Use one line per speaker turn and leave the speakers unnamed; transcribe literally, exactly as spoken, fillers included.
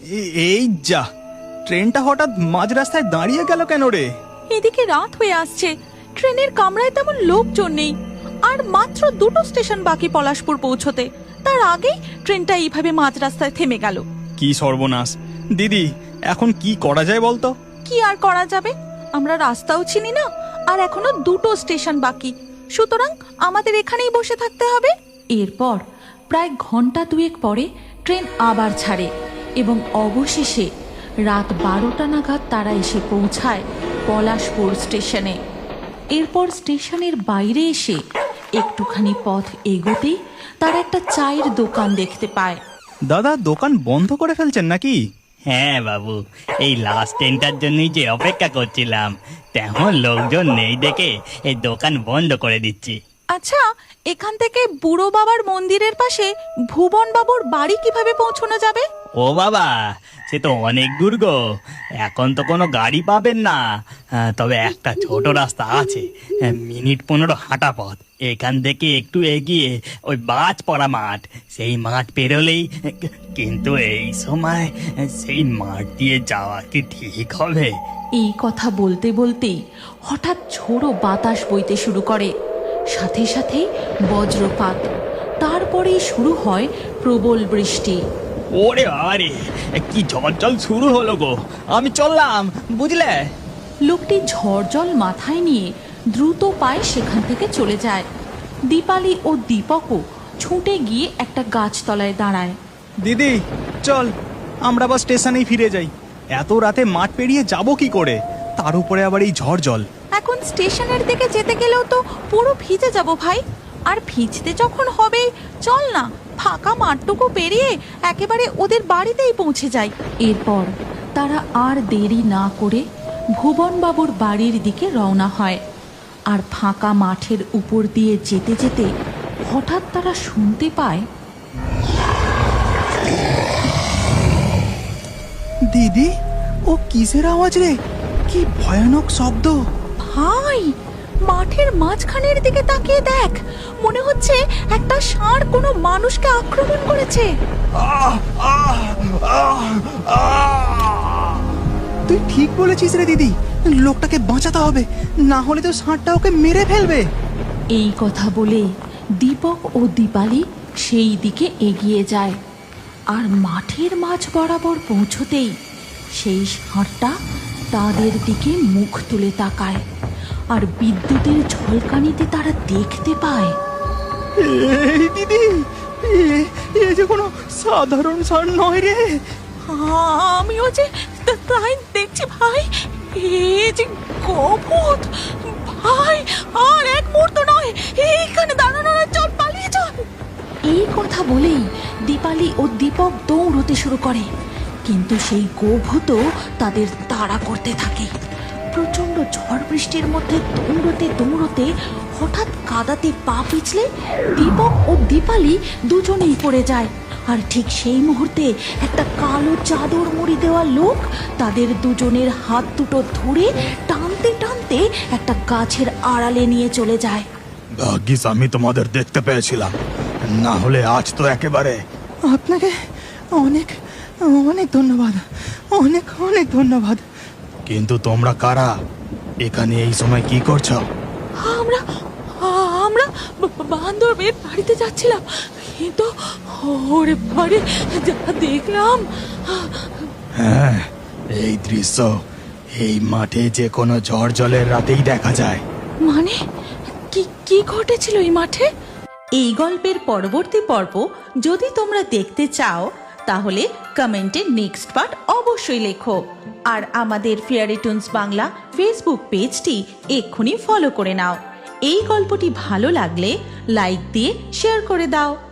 এই যা, ট্রেনটা হঠাৎ মাঝ রাস্তায় দাঁড়িয়ে গেল কেন রে?
এদিকে রাত হয়ে আসছে, ট্রেনের কামরায় তেমন লোকজন নেই, আর মাত্র দুটো স্টেশন বাকি পলাশপুর পৌঁছতে। তার আগেই ট্রেনটা এইভাবে মাঝ রাস্তায় থেমে গেল।
কি সর্বনাশ! দিদি, এখন কি করা যায় বলতো?
কি আর করা যাবে, আমরা রাস্তাও চিনি না, আর এখনো দুটো স্টেশন বাকি, সুতরাং আমাদের এখানেই বসে থাকতে হবে। এরপর প্রায় ঘন্টা দুয়েক পরে ট্রেন আবার ছাড়ে এবং অবশেষে রাত বারোটা নাগাদ তারা এসে পৌঁছায় পলাশপুর স্টেশনে। এরপর স্টেশনের বাইরে এসে একটুখানি পথ এগোতেই তারা একটা চায়ের দোকান দেখতে পায়।
দাদা, দোকান বন্ধ করে ফেলছেন নাকি?
হ্যাঁ বাবু, এই লাস্ট ট্রেনটার জন্যই যে অপেক্ষা করছিলাম, তেমন লোকজন নেই দেখে এই দোকান বন্ধ করে দিচ্ছি।
আচ্ছা, এখান থেকে বুড়ো বাবার মন্দিরের পাশে ভুবন বাবুর বাড়ি কিভাবে পৌঁছানো যাবে?
ও বাবা, সে তো অনেক দূর গো, এখন তো কোনো গাড়ি পাবেন না। হ্যাঁ, তবে একটা ছোট রাস্তা আছে, মিনিট পনেরো হাঁটা পথ। এখান থেকে একটু এগিয়ে ওই বাজপড়া মাঠ, সেই মাঠ পেরোলেই। কিন্তু এই সময় সেই মাঠ দিয়ে যাওয়া কি ঠিক হবে?
এই কথা বলতে বলতেই হঠাৎ ঝোড়ো বাতাস বইতে শুরু করে, সাথে সাথে বজ্রপাত, তারপরেই শুরু হয় প্রবল বৃষ্টি।
ওরে আরে, কি ঝড় জল শুরু হলো গো! আমি চললাম, বুঝলে।
লোকটি ঝড় জল মাথায় নিয়ে দ্রুত পায়ে সেখান থেকে চলে যায়। দীপালি ও দীপকও ছুটে গিয়ে একটা গাছতলায় দাঁড়ায়।
দিদি চল, আমরা আবার স্টেশনেই ফিরে যাই। এত রাতে মাঠ পেরিয়ে যাব কি করে? তার উপরে আবার এই ঝড় জল।
এখন স্টেশনের দিকে যেতে গেলেও তো পুরো ভিজে যাব ভাই, আর ভিজতে যখন হবে, চল না ফাঁকা মাঠটুকু পেরিয়ে একেবারে ওদের বাড়িতেই পৌঁছে যাই। এরপর তারা আর দেরি না করে ভুবনবাবুর বাড়ির দিকে রওনা হয়। আর ফাঁকা মাঠের উপর দিয়ে যেতে যেতে হঠাৎ তারা শুনতে পায়,
দিদি, ও কিসের আওয়াজ রে? কি ভয়ানক শব্দ!
ভাই, মাঠের মাঝখানের দিকে তাকিয়ে দেখ, মনে হচ্ছে একটা ষাঁড় কোনো মানুষকে আক্রমণ করেছে।
তুই ঠিক বলেছিস রে দিদি, লোকটাকে বাঁচাতে হবে, না হলে তো ষাঁড়টা ওকে মেরে ফেলবে।
এই কথা বলে দীপক ও দীপালি সেই দিকে এগিয়ে যায়, আর মাঠের মাঝ বরাবর পৌঁছতেই সেই ষাঁড়টা তাদের দিকে মুখ তুলে তাকায়, আর বিদ্যুতের ঝলকানিতে তারা দেখতে পায়,
এই দিদি, এ যে কোনো সাধারণ ষাঁড় নয় রে।
আমিও যে তাই দেখছি ভাই, এ যে গভূত ভাই। আর এক মুহূর্ত নয়, এইখানে দাঁড়ানো নয়, চল পালিয়ে চল। এই কথা বলেই দীপালি ও দীপক দৌড়তে শুরু করে, কিন্তু সেই গভূত তাদের তাড়া করতে থাকে। প্রচন্ড ঝড় বৃষ্টির মধ্যে দৌড়তে দৌড়তে হঠাৎ কাদাতে পা পিছলে দীপক ও দীপালি দুজনেই পড়ে যায়। আর ঠিক সেই মুহূর্তে একটা কালো চাদর মুড়ি দেওয়া লোক তাদের দুজনের হাত দুটো ধরে টানতে টানতে একটা গাছের আড়ালে নিয়ে চলে যায়।
ভাগ্যিস আমি তোমাদের দেখতে পেয়েছিলাম, না হলে আজ তো একেবারে। আপনাকে অনেক অনেক ধন্যবাদ, অনেক অনেক ধন্যবাদ। কিন্তু তোমরা কারা? এখানে এই সময় কি করছো?
আমরা আমরা বান্ধবের বাড়িতে যাচ্ছিলাম, কিন্তু ওরে বাড়ি যা দেখলাম।
হ্যাঁ, এই দৃশ্য এই মাঠে যে কোনো ঝড় জলের রাতেই দেখা যায়।
মানে কি কি ঘটেছিল এই মাঠে? এই গল্পের পরবর্তী পর্ব যদি তোমরা দেখতে চাও, তাহলে কমেন্টে নেক্সট পার্ট অবশ্যই লেখো। আর আমাদের ফেয়ারি টুনস বাংলা ফেসবুক পেজটি এক্ষুনি ফলো করে নাও। এই গল্পটি ভালো লাগলে লাইক দিয়ে শেয়ার করে দাও।